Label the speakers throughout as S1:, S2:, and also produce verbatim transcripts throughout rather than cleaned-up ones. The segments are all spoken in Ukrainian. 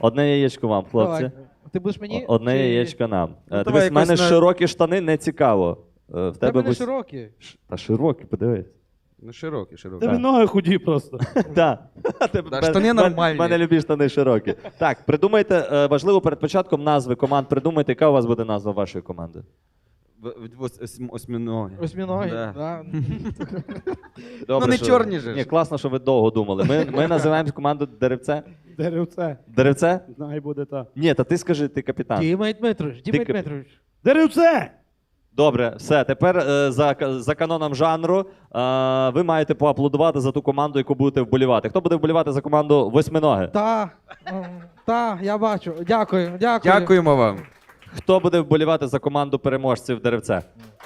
S1: Одне яєчко вам, хлопці.
S2: Давай. Ти будеш мені?
S1: Одне
S2: чи-
S1: яєчко нам.
S3: Ну,
S1: Е,
S3: давай
S1: Дивись, в мене
S3: якось на-
S1: широкі штани, не цікаво. Е, В
S2: В
S1: тебе
S2: тебе не
S1: бус-
S2: широкі.
S1: Ш- Та широкі, подивись.
S3: Ну, широкий, широкий.
S4: Тебе ноги худі просто.
S1: Так.
S3: Да, штани нормальні.
S1: У мене любі штани широкі. Так, придумайте, е, важливо перед початком назви команд, придумайте, яка у вас буде назва вашої команди.
S3: В- в- ос- ос- Осьминоги.
S2: Осьміногі.
S3: Да.
S2: Да.
S1: Добре,
S3: Ну, не
S1: що-
S3: чорні же ж.
S1: Ні, класно, що ви довго думали. Ми, ми називаємо команду Деревце.
S4: Деревце.
S1: Деревце?
S4: Най буде так.
S1: Ні, та ти скажи, ти капітан.
S2: Дімей Дмитрович, Дімей
S1: Ти-
S2: Дмитрович.
S4: Деревце!
S1: Добре, все. Тепер е, за, за каноном жанру е, ви маєте поаплодувати за ту команду, яку будете вболівати. Хто буде вболівати за команду Восьминоги?
S2: Та, м, та, я бачу. Дякую, дякую.
S3: Дякуємо вам.
S1: Хто буде вболівати за команду переможців Деревце?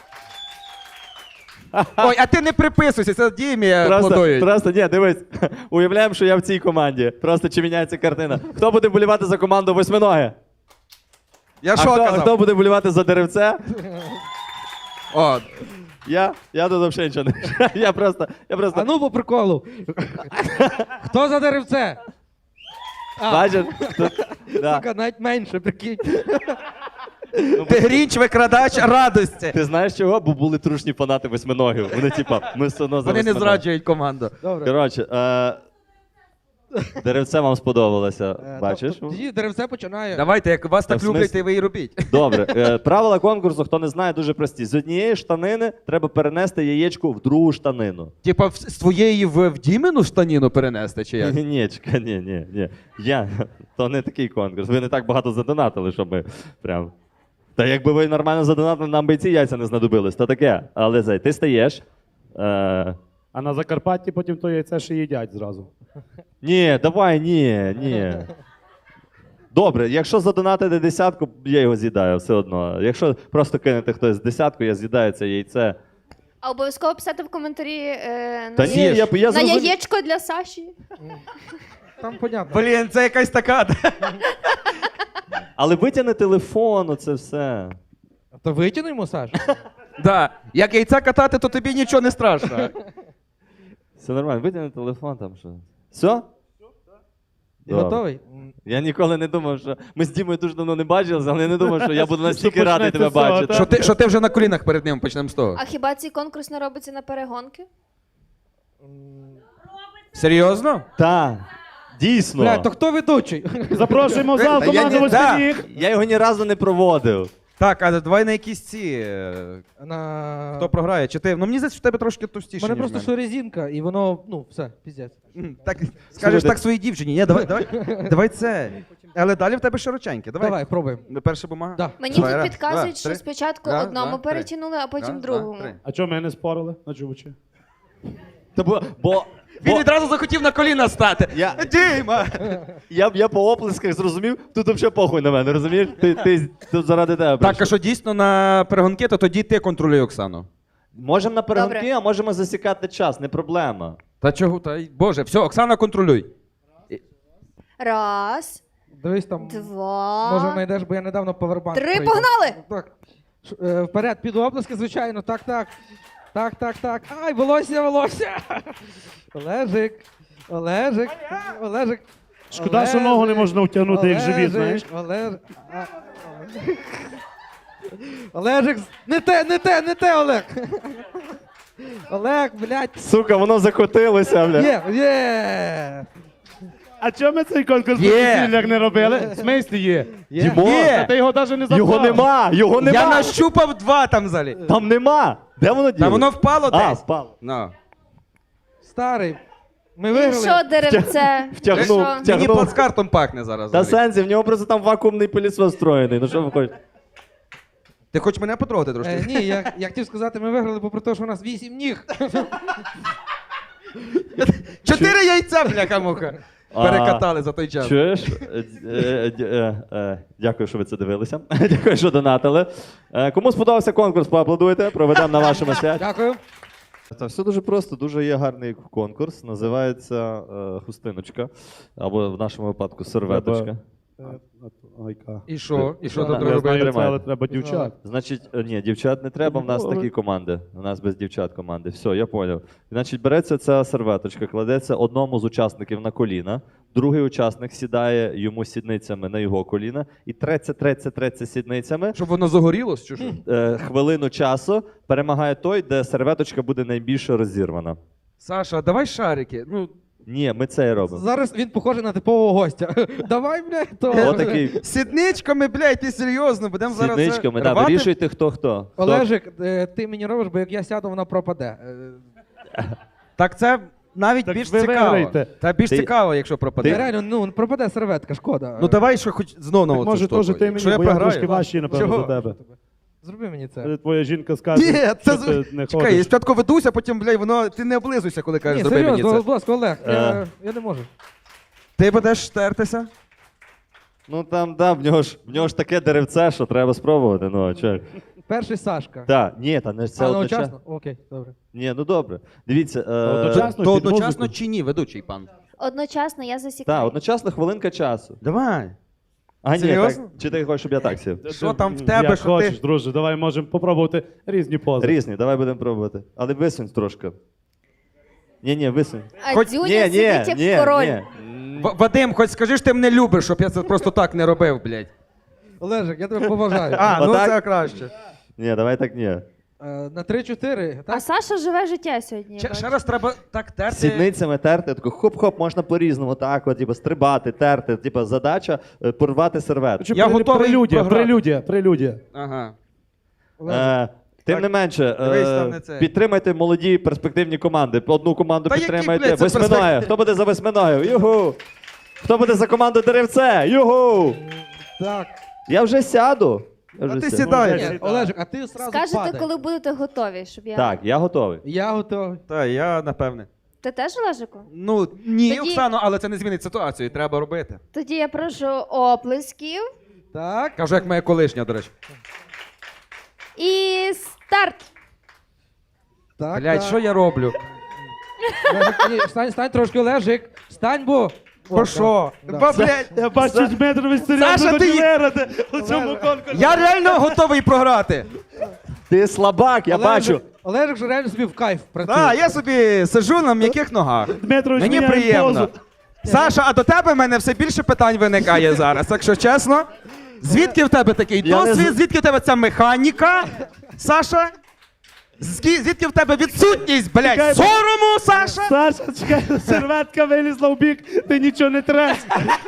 S3: Ой, а ти не приписуйся, це Дімі
S1: Просто,
S3: аплодують.
S1: просто ні, дивись. Уявляємо, що я в цій команді. Просто чи міняється картина. Хто буде вболівати за команду Восьминоги?
S3: Я
S1: А
S3: що
S1: хто,
S3: казав?
S1: хто буде вболівати за Деревце?
S3: О,
S1: Я? Я тут взагалі нічого не. Я просто. Я просто...
S2: А ну по приколу. Хто за деревце? А,
S1: Бачиш? Тут, да.
S2: сука, навіть менше, прикинь.
S3: ти грінч, викрадач радості.
S1: Ти знаєш чого? Бо були трушні фанати Восьминогів. Вони, типа, ми все одно за
S3: Вони не
S1: Восьминогів.
S3: зраджують команду.
S2: Добре.
S1: Коротше, е... Деревце вам сподобалося.
S2: Е,
S1: Бачиш?
S2: тобто Тоді деревце починає.
S3: Давайте, як вас
S1: Та
S3: так
S1: в
S3: люблять,
S1: смислі?
S3: то ви і робіть.
S1: Добре. Е, правила конкурсу, хто не знає, дуже прості. З однієї штанини треба перенести яєчко в другу штанину.
S3: Типа в- з твоєї в, в Дімину штаніну перенести, чи як?
S1: Ні, чекай, ні, ні, ні. Я, то не такий конкурс. Ви не так багато задонатили, щоб ми прям. Та якби ви нормально задонатили, нам би і ці яйця не знадобились, то таке. Але зай, ти стаєш. Е...
S4: А на Закарпатті потім то яйце ще їдять зразу.
S1: Ні, давай, ні, ні. Добре, якщо задонатити десятку, я його з'їдаю все одно. Якщо просто кинете хтось десятку, я з'їдаю це яйце.
S5: А обов'язково писати в коментарі е, на,
S1: Та ні, я, я
S5: на
S1: зрозумів.
S5: яєчко для Саші.
S2: Там понятно.
S3: Блін, це якась така.
S1: Але витягни телефон, оце все.
S2: То витягнемо, Саш.
S3: Да. Як яйця катати, то тобі нічого не страшно.
S1: Все нормально, витягни телефон там що. Все?
S2: Ти готовий?
S1: Я ніколи не думав, що ми з Дімою дуже давно не бачилися, але я не думав, що я буду настільки
S4: Що
S1: радий тебе
S4: почнеться з цього,
S1: бачити.
S4: та?
S3: Що ти, що ти вже на колінах перед ним, почнемо з того.
S5: А хіба цей конкурс не робиться на перегонки?
S3: Серйозно?
S1: Так, дійсно.
S2: Бля, то хто ведучий?
S4: Запрошуємо в зал
S3: Та я
S4: команду
S3: не- да.
S4: Восьминіг.
S1: Я його ні разу не проводив.
S3: Так, а давай на якісь ці. е,
S2: На...
S3: Хто програє? Чи ти? Ну мені здається, що в тебе трошки
S2: У
S3: товстіше.
S2: мене
S3: ніж
S2: просто
S3: в
S2: що резинка, і воно, ну, все, піздець.
S3: М, Так, скажеш
S1: Слухайте.
S3: так своїй дівчині. Ні, давай, давай, давай це. Але далі в тебе широченьке. Давай.
S2: Давай, пробуємо.
S3: Перша бумага.
S2: Да.
S5: Мені
S3: Давай,
S5: тут
S3: раз,
S5: підказують,
S3: два,
S5: що
S3: три.
S5: спочатку
S3: Раз,
S5: одному
S3: два, три.
S5: перетягнули, а потім
S3: Раз,
S5: другому.
S3: два, три.
S4: А чого ми не спорили на чувачі?
S1: Та бо, бо,
S3: Він
S1: бо
S3: відразу захотів на коліна стати.
S1: Я-
S3: Діма!
S1: я, я по оплесках зрозумів, тут взагалі похуй на мене, розумієш? Ти, ти тут заради тебе
S3: Так,
S1: прийшов.
S3: а що дійсно на перегонки, то тоді ти контролюй Оксану.
S1: Можемо на перегонки,
S5: Добре.
S1: а можемо засікати час, не проблема.
S3: Та чого? Та й- Боже, все, Оксана, контролюй.
S5: Раз,
S2: Дивись там,
S5: два.
S2: може знайдеш, бо я недавно повербанк
S5: Три,
S2: прийняв.
S5: погнали!
S2: Так. Ш- е, Вперед, під оплески, звичайно, так, так. Так, так, так. Ай, волосся, волосся. Олежик, Олежик, Олежик.
S4: Шкода, що ногу не можна втягнути, як живіт, знаєш.
S2: Олежик, а, Олежик, не те, не те, не те, Олег. Олег, блядь.
S1: Сука, воно закотилося, бля.
S2: Є, є.
S4: А чого ми цей конкурс
S3: Є.
S4: професійний не робили? В смислі є.
S2: Є.
S1: Дімо,
S3: Є.
S4: Та ти його навіть не запхав.
S1: його нема, його нема.
S3: Я нащупав два там залі.
S1: Там нема. Де воно діло?
S3: Та воно впало
S1: А,
S3: десь.
S1: впало.
S3: Ну.
S2: Старий. Ми
S5: І
S2: виграли.
S5: що, деревце?
S1: Втягнув,
S5: Що?
S1: втягнув.
S3: Мені плацкартом пахне зараз.
S1: Та
S3: взагалі.
S1: сенсі, в нього просто там вакуумний пилісос встроєний. Ну що ви хочете?
S3: Ти хочеш мене потрогати трошки?
S2: Е, ні, я, я хотів сказати, ми виграли, попри те, що у нас вісім ніг.
S3: Чотири яйця, бляха-муха.
S1: А,
S3: Перекатали за той час.
S1: Чуєш? Е, е, е, е, Дякую, що ви це дивилися. Дякую, що донатили. Е, Кому сподобався конкурс, поаплодуйте. Проведемо на вашому святі.
S2: Дякую.
S1: Та все дуже просто, дуже є гарний конкурс. Називається е, хустиночка. Або в нашому випадку серветочка.
S4: Е, а то- Айка.
S2: І що? І що
S1: Да,
S2: тут
S1: я
S4: Я
S2: робити?
S4: знаю це,
S1: Тримайте.
S4: але треба дівчат.
S1: Значить, е, ні, дівчат не треба, в нас
S4: Ну,
S1: такі команди. У нас без дівчат команди. Все, я поняв. Значить, береться ця серветочка, кладеться одному з учасників на коліна, другий учасник сідає йому сідницями на його коліна і треться, треться, треться сідницями.
S3: Щоб воно загорілось, чи що?
S1: Е, хвилину часу перемагає той, де серветочка буде найбільше розірвана.
S3: Саша, давай шарики. Ну,
S1: Ні, ми це і робимо.
S2: Зараз він похожий на типового гостя. Давай, блядь, то.
S1: Отакий
S3: сідничками, блядь, ти серйозно, будемо зараз. це
S1: сідничками. Да,
S3: рвати?
S1: вирішуйте, хто хто. Хто-
S2: Олежик, е, ти мені робиш, бо як я сяду, вона пропаде. Е,
S3: Так це навіть
S4: Так
S3: більш
S4: ви
S3: цікаво.
S4: виграєте.
S3: Та більш
S1: Ти-
S3: цікаво, якщо
S2: Ти
S3: пропаде.
S2: реально, ну, пропаде серветка, шкода.
S3: Ну давай, що хоч знову на
S4: Так,
S3: оцю
S4: може,
S3: штуку.
S4: теж ти
S3: Якщо
S4: мені,
S3: я
S4: бо я
S3: програю.
S4: трошки важчий, напевно,
S3: Чого?
S4: за тебе.
S2: Зроби мені це.
S4: Коли твоя жінка скаже,
S3: Ні,
S4: що
S3: це
S4: ти
S3: з-
S4: не
S3: Чекай, я
S4: ходиш.
S3: спочатку ведуся, потім, блядь, воно ти не облизуйся, коли кажеш,
S2: Ні,
S3: зроби мені
S2: серйозно,
S3: це.
S2: будь ласка, Олег, я,
S1: Е.
S2: я не можу.
S3: Ти будеш тертися?
S1: Ну там, да, в нього ж в нього ж таке деревце, що треба спробувати. Ну, а чо?
S2: Перший Сашка.
S1: Так, ні, та не це
S2: А,
S1: одночасно.
S2: одночасно? Окей, добре.
S1: Ні, ну добре. Дивіться. Е...
S4: Одночасно
S3: То
S4: під
S3: одночасно
S4: музику?
S3: чи ні, ведучий пан?
S5: Одночасно я засікаю.
S1: Так, одночасно хвилинка часу.
S3: Давай.
S1: А ні,
S3: Серйозно?
S1: так, чи ти хочеш, щоб я так сів?
S3: Що там в
S4: Як
S3: тебе, що
S4: хочеш,
S3: ти?
S4: друже, давай можемо попробувати різні пози.
S1: Різні, давай будемо пробувати. Але висунь трошки. Ні, ні, висунь.
S5: А
S3: Хоч-
S5: Дзюня
S1: Ні, ні,
S5: сидить як
S1: ні,
S5: король.
S1: ні.
S3: В- Вадим, хоч скажи, що ти мене любиш, щоб я це просто так не робив, блядь.
S2: Олежик, я тебе поважаю.
S3: А, ну
S1: Отак?
S3: це краще.
S1: Ні, давай так ні.
S2: Е, На три-чотири,
S5: А
S2: так?
S5: Саша живе життя сьогодні. я
S3: Ще,
S5: бачу.
S3: ще раз треба так терти.
S1: Сідницями терти, тако хоп-хоп, можна по-різному, так, от, типу, стрибати, терти. Типу, задача е, порвати серветку.
S4: Чи
S3: Я
S4: прелю-
S3: готовий
S4: Прелюдія,
S3: програти.
S4: прелюдія, прелюдія.
S3: Ага.
S2: Олежик.
S1: Е, тим
S3: Так,
S1: не менше,
S3: дивись,
S1: е,
S3: там не це.
S1: підтримайте молоді перспективні команди. Одну команду
S3: Та які,
S1: підтримайте.
S3: блядь, це
S1: Восьминогів.
S3: перспектив-
S1: Хто буде за восьминогів? Югу! Хто буде за команду деревце? Югу!
S2: Так.
S1: Я вже сяду. Я
S3: А
S1: вже
S3: ти
S1: сяду.
S3: сідай.
S2: Ні, Олежик, а ти сразу
S5: Скажете,
S2: падай.
S5: коли будете готові, щоб я.
S1: Так, я готовий.
S2: Я готовий.
S3: Та, я напевне.
S5: Ти теж, Олежику?
S3: Ну, ні,
S5: Тоді-
S3: Оксано, але це не змінить ситуацію, треба робити.
S5: Тоді я прошу оплесків.
S2: Так.
S3: Кажу, як моя колишня, до речі.
S5: І старт!
S2: Так,
S3: Блядь,
S2: так.
S3: що я роблю?
S2: Олежик, ні, стань, стань трошки, Олежик. Стань, бо. О,
S3: Бо що?
S2: да.
S3: Ба, блядь,
S4: Я бачу, Дмитрович
S3: Саша,
S4: серйозно
S3: ти-
S4: хоче виграти у цьому конкурсі.
S3: я реально готовий програти.
S1: Ти слабак, я
S2: Олежик-
S1: бачу.
S2: Олежик же реально собі в кайф працює.
S3: Так, я собі сиджу на м'яких ногах.
S4: Дмитрович
S3: Мені
S4: міняє
S3: приємно.
S4: позу.
S3: Саша, а до тебе в мене все більше питань виникає зараз, якщо чесно. Звідки в тебе такий
S1: Я не
S3: досвід?
S1: з-
S3: Звідки в тебе ця механіка, Саша? Зкі- Звідки в тебе відсутність,
S4: Чекай,
S3: блядь, сорому, Саша?
S4: Саша, чекай, серветка вилізла в бік, ти нічого не треш.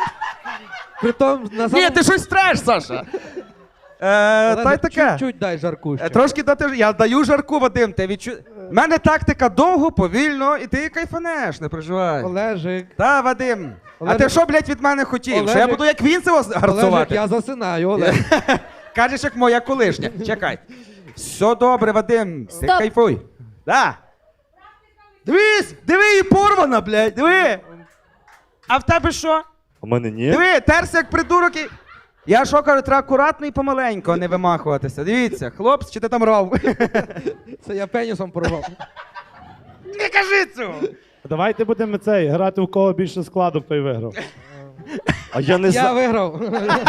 S2: Притом, на
S3: Ні,
S2: самому...
S3: ти щось треш, Саша. Е,
S2: Олежик,
S3: та й таке.
S2: Чуть-чуть дай жарку
S3: Е,
S2: ще.
S3: Трошки дати. Я даю жарку, Вадим. Ти відчу... У мене тактика довго, повільно, і ти кайфанеш, не переживай.
S2: Олежик.
S3: Та, Вадим. А
S2: Олежик-
S3: ти що, блядь, від мене хотів? Що я
S2: Олежик-
S3: буду як він це
S2: Олежик,
S3: гарцувати?
S2: я засинаю, Олег.
S3: Кажеш, як моя колишня. Чекай. Все добре, Вадим. Ти
S5: Стоп.
S3: кайфуй. Да. Дивись, диви, і порвана, блядь, диви. А в тебе що?
S1: У мене ні.
S3: Диви, терся як придурок і... Я що кажу, треба акуратно і помаленьку, а не вимахуватися. Дивіться, хлопці, чи ти там рав?
S2: Це я пенісом порвав.
S3: Не кажи цього!
S4: Давайте будемо цей, грати у кого більше складу, той виграв.
S1: А я не
S2: Я
S1: знаю.
S2: виграв.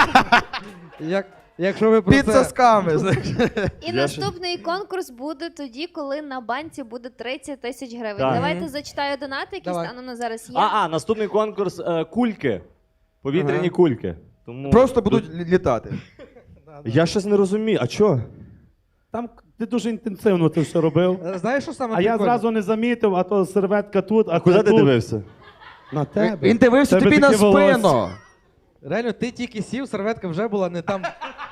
S2: Як, якщо ви про
S3: Під
S2: це...
S3: сосками, знаєш.
S5: І наступний конкурс буде тоді, коли на банці буде тридцять тисяч гривень.
S1: Так.
S5: Давайте зачитаю донати, які
S2: Давай.
S5: станом на зараз є.
S1: А, а, наступний конкурс е, кульки. Повітряні
S3: Ага.
S1: кульки. Тому...
S3: Просто будуть лі- літати.
S1: Я щось не розумію. А чо?
S4: Там ти дуже інтенсивно це все робив.
S2: Е, Знаєш, що саме
S4: А я
S2: прикольне?
S4: зразу не замітив, а то серветка тут, а
S1: А куди
S4: ти
S1: ти
S4: тут.
S1: дивився?
S4: На тебе.
S3: Він дивився
S4: Тебе
S3: тобі на
S4: такі волосся.
S3: спину.
S2: Реально, ти тільки сів, серветка вже була не там.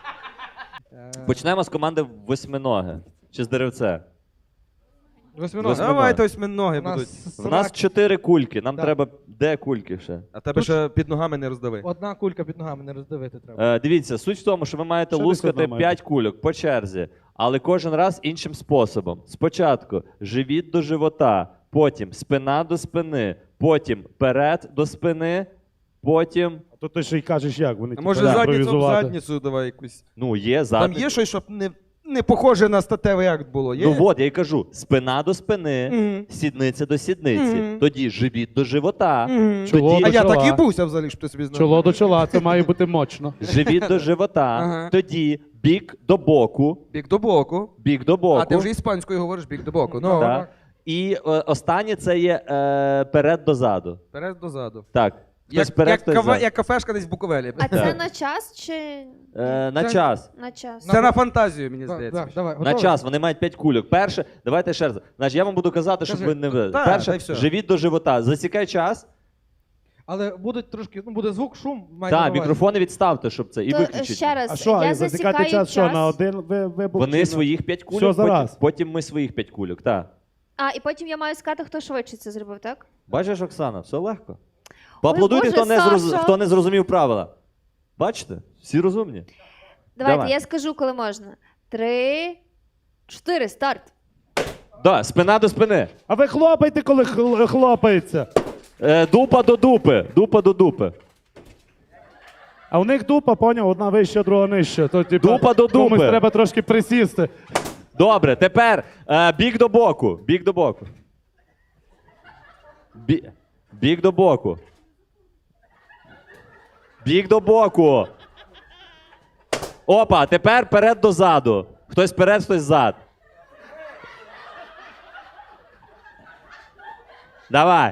S2: Е,
S1: Почнемо з команди восьминоги. Чи з деревце?
S2: Восьминоги.
S1: Восьминоги.
S3: Давайте ось ми ноги
S2: У нас
S3: будуть.
S1: У нас чотири кульки. Нам
S2: Да.
S1: треба. Де кульки ще?
S3: А тебе ще під ногами не роздави.
S2: Одна кулька під ногами не роздивити треба.
S1: Е, дивіться, суть в тому, що ви маєте
S4: Ще десь
S1: лускати
S4: одна має
S1: п'ять кульок по черзі, але кожен раз іншим способом. Спочатку живіт до живота, потім спина до спини, потім перед до спини, потім.
S4: А то ти ще й кажеш як, вони
S3: А
S4: типу,
S3: може
S4: да,
S3: задницю об
S4: імпровізувати.
S3: задницю давай якусь.
S1: Ну, є
S3: Там
S1: задник.
S3: є щось, щоб не. не похоже на статевий акт було. Є?
S1: Ну от, я й кажу: спина до спини,
S3: Мгм.
S1: сідниця до сідниці,
S3: Мгм.
S1: тоді живіт до живота,
S3: Мгм.
S4: Чоло
S1: тоді
S3: А я
S4: чола.
S3: так і бувся взагалі, що ти собі знав.
S4: Чоло до чола, це має бути мощно.
S1: живіт до живота,
S3: Ага.
S1: тоді бік до боку,
S3: Бік до боку.
S1: бік до боку.
S3: А ти вже іспанською говориш бік до боку. Ну,
S1: Так. І е, останнє це є е, перед до заду.
S3: вперед до заду.
S1: Так. Хтось
S3: Як,
S1: вперед,
S3: як,
S1: хтось
S3: кафе,
S1: зад.
S3: як кафешка десь в Буковелі.
S5: А це на час чи
S1: Е, на
S2: Це-
S1: час.
S5: на час?
S3: Це на фантазію, мені
S2: Да,
S3: здається.
S2: да, давай,
S1: На
S2: готовий?
S1: час, вони мають п'ять кульок. Перше, давайте ще раз. Значить, я вам буду казати, щоб
S2: Кажи.
S1: ви не ви.
S3: Та, та й
S1: Перше,
S3: все.
S1: живіт до живота. Засікай час.
S2: Але будуть трошки, ну буде звук, шум, майте на
S1: Так,
S2: увазі.
S1: мікрофони відставте, щоб це. І
S5: То, е,
S1: виключіть.
S5: ще раз,
S4: А що,
S5: я
S4: а
S5: засікаю
S4: засікати час, що,
S5: час.
S4: на один ви- вибух? чи
S1: Вони
S4: на-
S1: своїх п'ять кульок,
S4: Все,
S1: потім,
S4: зараз.
S1: потім ми своїх п'ять кульок. Так.
S5: А, і потім я маю сказати, хто швидше це зробив, так?
S1: Бачиш, Оксана, все легко. Поаплодуйте,
S5: Боже,
S1: хто, не зроз...
S5: Сашо.
S1: хто не зрозумів правила. Бачите? Всі розумні.
S5: Давайте,
S1: Давай.
S5: я скажу, коли можна. Три, чотири, старт.
S1: Да, спина до спини.
S4: А ви хлопайте, коли хл- хлопається.
S1: Е, дупа до дупи. Дупа до дупи.
S4: А у них дупа, поняв, одна вища, друга нижча. То, типу,
S1: Дупа до
S4: комусь
S1: дупи.
S4: треба трошки присісти.
S1: Добре, тепер е, бік до боку. Бік до боку. Бі... Бік до боку. Бік до боку. Опа, тепер перед до заду. Хтось перед, хтось зад. Давай.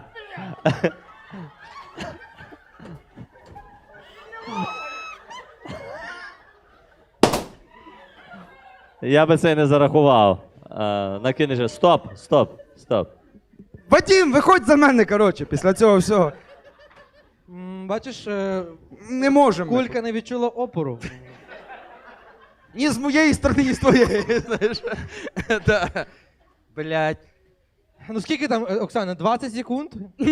S1: Я би це не зарахував. А, накинеш. же. Стоп, стоп, стоп.
S3: Вадім, виходь за мене, коротше, після цього всього.
S2: М, Бачиш, е,
S3: Не можемо.
S2: кулька не відчула опору.
S3: Ні з моєї сторони, ні з твоєї. Знаєш. Да. Блядь.
S2: Ну скільки там, е, Оксана, двадцять секунд?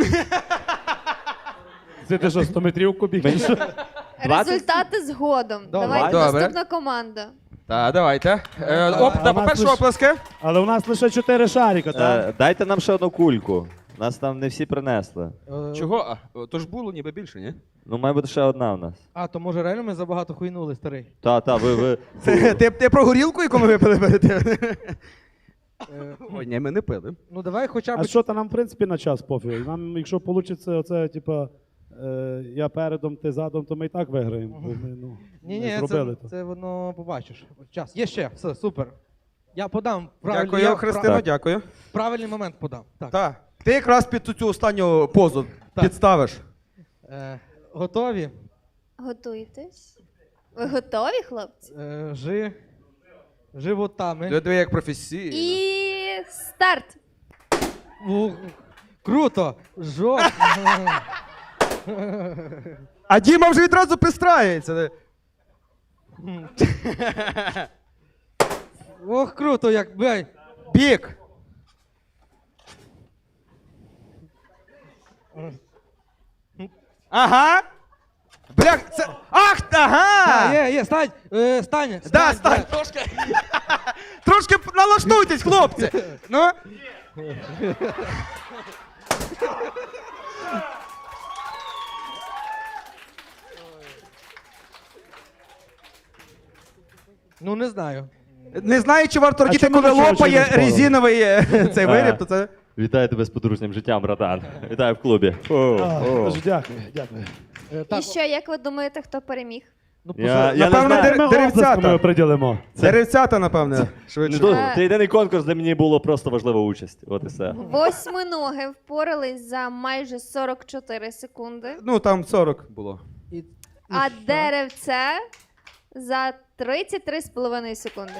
S4: Це ти що, сто метрівку біг? чи що?
S1: двадцять?
S5: Результати згодом.
S2: Добре.
S5: Давайте
S3: Добре.
S5: наступна команда.
S3: Так, давайте. Е,
S2: Давай.
S3: оп,
S4: А
S3: та,
S4: у нас
S3: по-перше,
S4: лиш-
S3: оплески.
S4: Але у нас лише чотири шарика, так?
S1: Е, дайте нам ще одну кульку. Нас там не всі принесли.
S2: Е,
S3: Чого? А, то ж було ніби більше, ні?
S1: Ну, має бути ще одна в нас.
S2: А, то може реально ми забагато хуйнули, старий.
S1: Та, та, ви, ви.
S3: Ти, ти про горілку, яку ми випили перед тим?
S2: Е,
S3: Ой, ні, ми не пили.
S2: Ну давай хоча б.
S4: А що, та нам, в принципі, на час пофіг. Нам, якщо вийде оце, типа, е, я передом, ти задом, то ми і так виграємо. Бо ми, ну,
S2: Ні,
S4: не
S2: ні,
S4: зробили
S2: це,
S4: то.
S2: це воно побачиш. Час. Є ще, все, супер. Я подам правильний,
S3: Дякую,
S2: я
S3: Христино,
S1: Так.
S3: дякую.
S2: пра- правильний момент подам. Так.
S3: Так. Ти якраз під цю останню позу
S2: Так.
S3: підставиш.
S2: Е, готові?
S5: Готуєтесь? Ви готові, хлопці?
S2: Е, жи... Животами.
S3: Диви, як професійно.
S5: І старт.
S2: У, круто! Жоп.
S3: А Діма вже відразу пристраюється.
S2: Ох, круто, як бей.
S3: Бік. Ага. Бля, це. Ах,
S2: А,
S3: ага!
S2: є, є, стань, е, стань, стань.
S3: Да, стань,
S2: блядь.
S3: трошки. Трошки налаштуйтесь, хлопці. Ну.
S2: Ну не знаю.
S3: Не знаю, чи варто радіти,
S4: чому
S3: коли
S4: нічого,
S3: лопає
S4: чи не спорили?
S3: резиновий е, цей
S1: А.
S3: виріб, то це.
S1: Вітаю тебе з подружнім життям, братан. Вітаю в клубі. О,
S4: А,
S1: о.
S4: дуже дякую, дякую.
S2: Е, так,
S5: І що, як ви думаєте, хто переміг?
S2: ну,
S1: Я,
S2: поза-
S1: я не
S3: Напевно,
S1: знаю.
S3: дер-
S4: Ми
S3: деревцята.
S4: оплесками приділимо.
S3: Деревцята, напевне,
S1: Не
S3: швидше.
S1: дуже.
S5: Е.
S1: Це єдиний конкурс, де мені було просто важлива участь. От і все.
S5: Восьминоги впорались за майже сорок чотири секунди,
S3: Ну, там сорок було.
S2: і-
S5: а
S2: що?
S5: деревце за тридцять три з половиною секунди.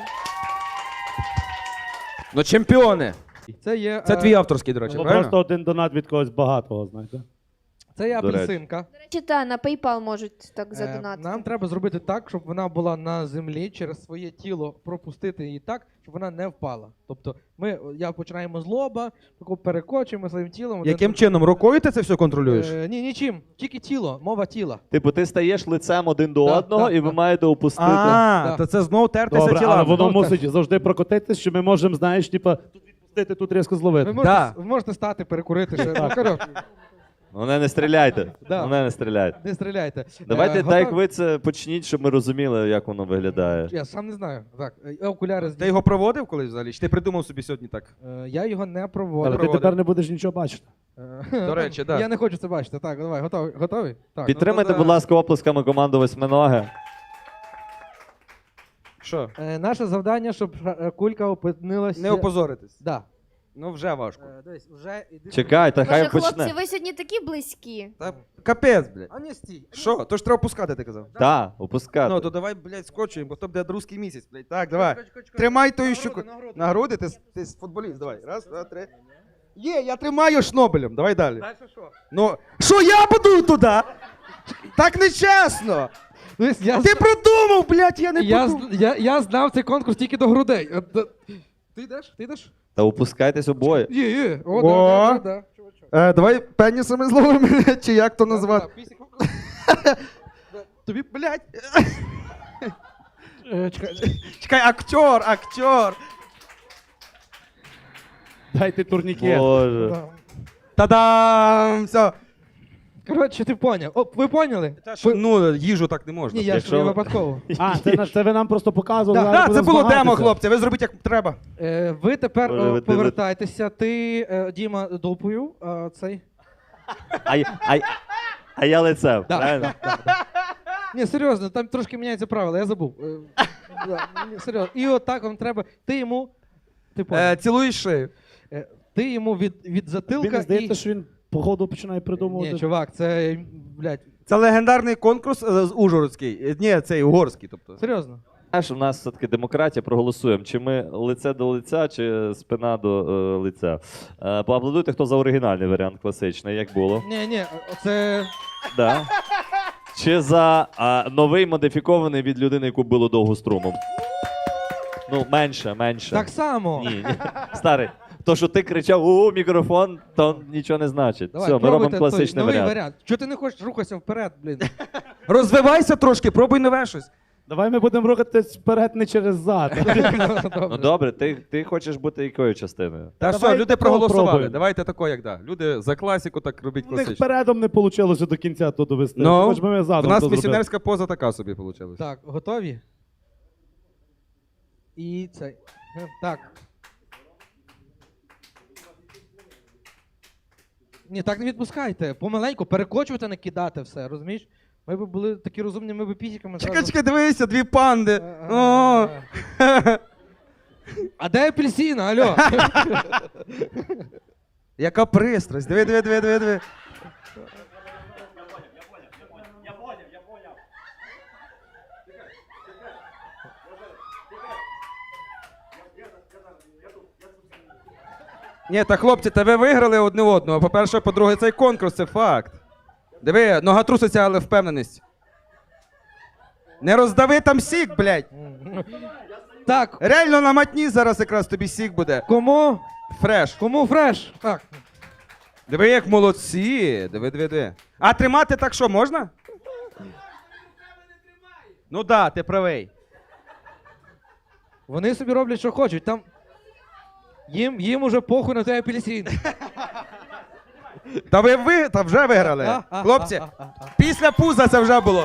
S3: Ну, чемпіони.
S2: Це є,
S3: Це
S2: е,
S3: твій авторський, до речі,
S4: Було
S3: правильно?
S4: просто один донат від когось багатого, знаєте.
S2: Це є
S1: До речі.
S2: апельсинка.
S5: До речі, та на PayPal можуть так
S2: Е,
S5: задонатити.
S2: Нам треба зробити так, щоб вона була на землі, через своє тіло пропустити її так, щоб вона не впала. Тобто ми я починаємо з лоба, тако перекочуємо своїм тілом. один
S3: Яким
S2: до-
S3: чином? Рукою ти це все контролюєш?
S2: Е, ні, нічим. Тільки тіло, мова тіла.
S1: Типу, ти стаєш лицем один до
S2: Да,
S1: одного,
S2: да,
S1: і ви
S2: да.
S1: маєте опустити.
S3: А,
S2: Да.
S3: то це знов тертися
S4: Добре, але
S3: тілами.
S4: воно
S2: Ну,
S4: мусить завжди прокотитись, що ми можемо, знаєш, типа, тут відпустити, тут різко
S2: Ви
S4: зловити.
S2: можете,
S3: Да.
S2: ви можете стати, перекурити ще. Ну, коротше.
S1: Мене не стріляйте.
S2: Да.
S1: Мене не стріляйте.
S2: Не стріляйте.
S1: Давайте,
S2: Е,
S1: так як
S2: готові?
S1: ви це почніть, щоб ми розуміли, як воно виглядає.
S2: Я сам не знаю. Так, е, окуляри
S3: Ти
S2: здій.
S3: його проводив колись взагалі? Чи ти придумав собі сьогодні так?
S2: Е, Я його не
S4: Але
S2: проводив.
S4: ти
S3: проводив.
S4: тепер не будеш нічого бачити.
S2: Е,
S3: До речі, да.
S2: Я не хочу це бачити. Так, давай, готові? Готові? Так.
S1: Підтримайте,
S3: ну, да.
S1: будь ласка, оплесками команду восьминоги.
S3: Що?
S2: Е, Наше завдання, щоб е, кулька опинилася.
S3: Не опозоритись.
S2: Да.
S3: Ну вже важко.
S2: Е, Дивись, вже іди.
S1: Чекайте,
S5: Боже,
S1: хай
S5: хлопці,
S1: почне.
S5: ви сьогодні такі близькі.
S3: Та капець, блядь.
S2: А не стій.
S3: Що? То ж треба опускати, ти казав.
S1: Так, опускати.
S3: Ну, то давай, блядь, скочуємо, бо то буде русський місяць, блядь. Так, давай. Тримай тою щуку. На груди, ти, ти футболіст, давай. Раз, два, три. Є, я тримаю шнобелем, давай далі.
S2: Дальше що?
S3: Ну, що я буду туди? Так нечесно!
S2: Дивись, я,
S3: Ти
S2: з-
S3: продумав, блядь, я не
S2: я,
S3: подумав.
S2: з- я, я знав цей конкурс тільки до грудей. От, да- Ти йдеш? Ти йдеш?
S1: Та опускайтесь обоє.
S2: Є, є. О,
S3: О.
S2: да, да, да, да. Чувачок.
S3: Е, давай пенісами зловимо, чи як то назвати.
S2: Да, пісік.
S3: Тобі, блядь.
S2: Е, Чекай.
S3: Чекай, актер, актер.
S4: Дайте турнікет.
S1: Боже.
S2: Да.
S3: Та-дам! Все.
S2: Коротше, ти поняв. О, ви поняли?
S3: Що, ну, їжу так не можна.
S2: Ні, я ж
S1: Якщо-
S2: я випадково.
S4: А, це, на- це ви нам просто показували.
S2: Да,
S4: зараз
S3: Так, це
S4: будемо
S3: було демо,
S4: змагатися.
S3: хлопці, ви зробіть як треба.
S2: Е, ви тепер
S1: Боже,
S2: о,
S1: ви-
S2: повертайтеся. Ти, е, Діма, дупою, а цей.
S1: А, я- а, я- а я лицем,
S2: Да,
S1: правильно?
S2: Ні, серйозно, там трошки міняються правила, я забув. Е, да, ні, серйозно. І отак вам треба. Ти йому. Ти поняв.
S3: Е, цілуєш шию.
S2: Е, Ти йому від, від затилка.
S4: Мені здається,
S2: і...
S4: що він походу починає придумувати.
S2: Ні, чувак, це, блядь,
S3: Це легендарний конкурс е, з Ужгородський. Е, Ні, цей угорський, тобто.
S2: серйозно.
S1: Знаєш, у нас все-таки демократія, проголосуємо. Чи ми лице до лиця, чи спина до е, лиця. Е, поаплодуйте, хто за оригінальний варіант класичний, як було.
S2: Ні, ні, це.
S1: Да. Чи за а, новий модифікований від людини, яку було довго струмом. Ну, менше, менше.
S2: Так само.
S1: Ні, ні. Старий. То, що ти кричав у мікрофон, то нічого не значить.
S2: Давай,
S1: Все, ми
S2: пробуйте
S1: робимо класичний
S2: той новий
S1: варіант.
S2: варіант. Чого ти не хочеш рухатися вперед, блін?
S3: Розвивайся трошки, пробуй нове щось.
S4: Давай ми будемо рухатись вперед не через зад.
S1: Ну добре, ти, ти хочеш бути якою частиною?
S3: Та
S4: Давай
S3: все, люди
S4: такого
S3: проголосували.
S4: пробуємо.
S3: Давайте тако, як да. Люди за класіку так робіть
S4: У них
S3: класично.
S4: передом не вийшло до кінця то довести.
S3: Ну,
S4: Хоч би ми
S3: У
S4: задом
S3: нас
S4: то зробили.
S3: місіонерська поза така собі вийшла.
S2: Так, готові? І цей. Е, Так. Ні, так не відпускайте. Помаленьку, перекочувати, не кидати все, розумієш? Ми б були такі розумні, ми б пісіками
S3: Чекай,
S2: зразу-
S3: чекай, дивися, дві панди.
S2: Е, е,
S3: О!
S2: е. А де апельсина, алло?
S3: Яка пристрасть. Диви, диви, диви, диви, диви. Ні, та хлопці, та ви виграли одне одного. По-перше, по-друге, цей конкурс це факт. Диви, нога труситься, але впевненість. Не роздави там сік, блядь.
S2: Так,
S3: Реально на матні зараз якраз тобі сік буде.
S2: кому?
S3: Фреш.
S2: Кому фреш? Так.
S3: Диви, як молодці. Диви, диви, диви. А тримати так що, можна? Ну да, ти правий.
S2: Вони собі роблять, що хочуть. Там. Їм, їм уже похуй на той апельсин.
S3: Та ви, ви та вже виграли.
S2: А, а,
S3: Хлопці,
S2: а, а, а.
S3: після пуза це вже було.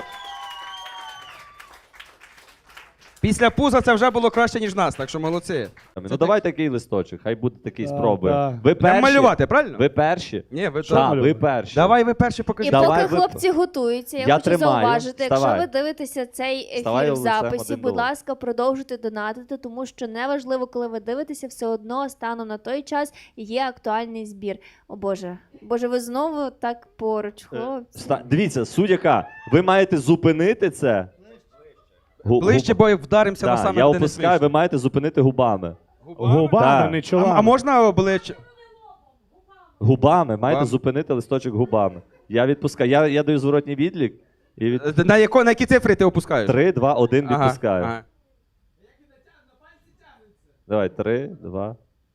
S3: Після пуза це вже було краще, ніж нас, так що молодці.
S1: Ну давай такий листочок, хай буде такий,
S4: Так,
S1: спробуємо.
S4: так.
S1: Ви
S3: Прям
S1: перші.
S3: малювати, правильно?
S1: Ви перші.
S3: Ні, ви
S1: Так,
S3: що?
S1: ви перші.
S3: Давай ви перші
S5: І
S3: покажіть.
S1: Давай
S5: поки
S1: ви-
S5: хлопці готуються, я,
S1: Я
S5: хочу
S1: тримаю.
S5: зауважити, якщо
S1: Вставай.
S5: ви дивитеся цей ефір
S1: Вставай
S5: в
S1: лицем
S5: записі,
S1: один
S5: будь
S1: до
S5: ласка, продовжуйте донатити, тому що неважливо, коли ви дивитеся, все одно станом на той час є актуальний збір. О Боже, Боже, ви знову так поруч, хлопці.
S1: Ста- Дивіться, суть яка. Ви маєте зупинити це. Гу-
S3: Ближче,
S1: губ-
S3: бо вдаримося
S1: Да,
S3: на саме,
S1: я
S3: де не
S1: опускаю,
S3: смішно.
S1: ви маєте зупинити губами.
S4: Губами,
S1: Так.
S4: не
S3: А,
S4: чолами.
S3: а можна обличчя?
S1: Губами, маєте
S3: А.
S1: зупинити листочок губами. Я відпускаю. Я, я даю зворотній відлік і від
S3: На, яко, на які цифри ти опускаєш?
S1: три, два, один
S3: Ага,
S1: відпускаю.
S3: ага.
S1: Давай, три, два.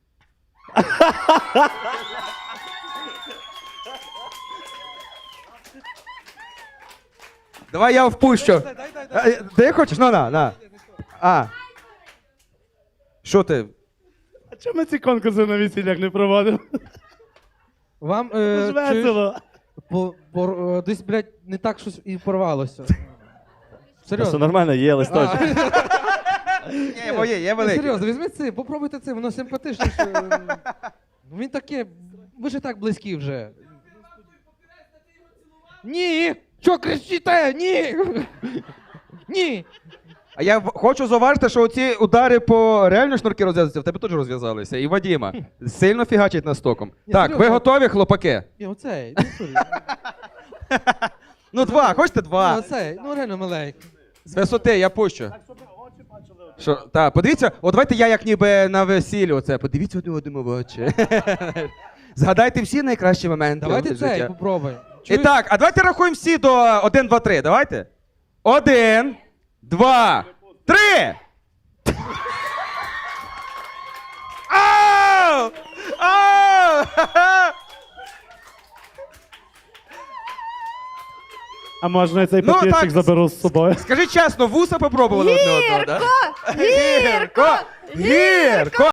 S3: Давай я впущу. А, е, Ти хочеш? Ну, на, на. А. Що ти?
S4: А чому ми ці конкурси на весіллях не проводимо?
S2: Вам
S4: Це
S2: е,
S4: ж
S2: чуєш,
S4: весело.
S2: по, по, е, десь, блядь, не так щось і порвалося.
S1: Все
S2: Серйозно.
S1: нормально, є листочок.
S3: Ні, моє, є
S2: Ні,
S3: велике.
S2: серйозно, візьміть це, попробуйте це, воно симпатичніше. Ну, він таке, ви ж і так близькі вже. Ні! Що кричите? Ні! Ні!
S3: А я в- хочу зауважити, що оці удари по реально шнурки розв'язуються, в тебе теж розв'язалися. І Вадіма. Сильно фігачить нас током.
S2: Ні,
S3: Так, ви
S2: серйозно.
S3: готові, хлопаки?
S2: Ні, оцей, ну, сорі.
S3: Ну, два, хочете
S2: Ну,
S3: два?
S2: оцей, ну реально маленький.
S3: З висоти я пущу. Що, так, подивіться, от давайте я як ніби на весіллі оце, подивіться один одному в очі. Згадайте всі найкращі моменти.
S2: Давайте
S3: життя.
S2: цей попробуємо.
S3: І
S2: Чуєш?
S3: так, а давайте рахуємо всі до один, два, три. Давайте. Один, два, три! Ау! Ау!
S4: А можна я цей
S3: Ну,
S4: пакетик
S3: так.
S4: заберу з собою?
S3: Скажи чесно, вуса попробували одне одного, так?
S5: Гірко!
S3: Гірко! Гірко!